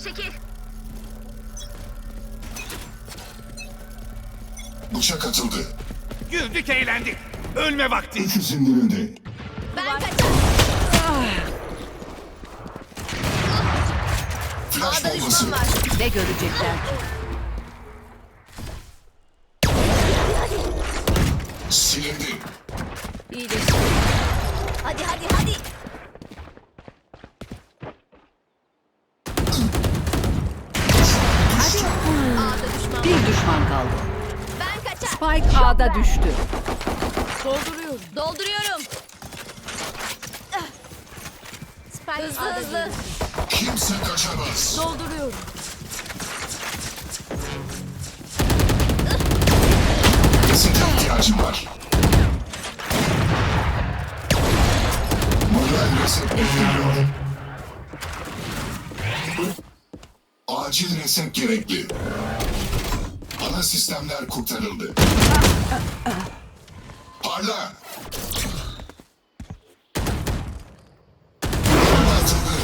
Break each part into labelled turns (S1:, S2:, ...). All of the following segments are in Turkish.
S1: çekil.
S2: Bıçak atıldı.
S3: Güldük eğlendik. Ölme vakti.
S2: Öküz indirildi.
S1: Ben kaçar.
S2: Flash
S1: A'da
S2: bombası.
S1: düşman var.
S4: Ne görecekler ki?
S2: Silindi.
S1: İyileşti. Hadi hadi hadi. A'da düşman var.
S4: Bir düşman kaldı.
S1: Ben kaçar.
S4: Spike A'da düştü.
S1: Dolduruyorum. Hızlı hızlı.
S2: Kimse kaçamaz.
S1: Dolduruyorum.
S2: Size ihtiyacım var. Moral reset bekleniyor. Acil reset gerekli. Ana sistemler kurtarıldı. Parla! Atıldı.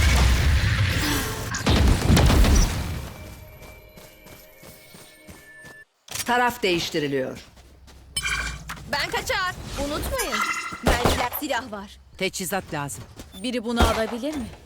S4: Taraf değiştiriliyor.
S1: Ben kaçar. Unutmayın. Bende silah var.
S4: Teçhizat lazım.
S1: Biri bunu alabilir mi?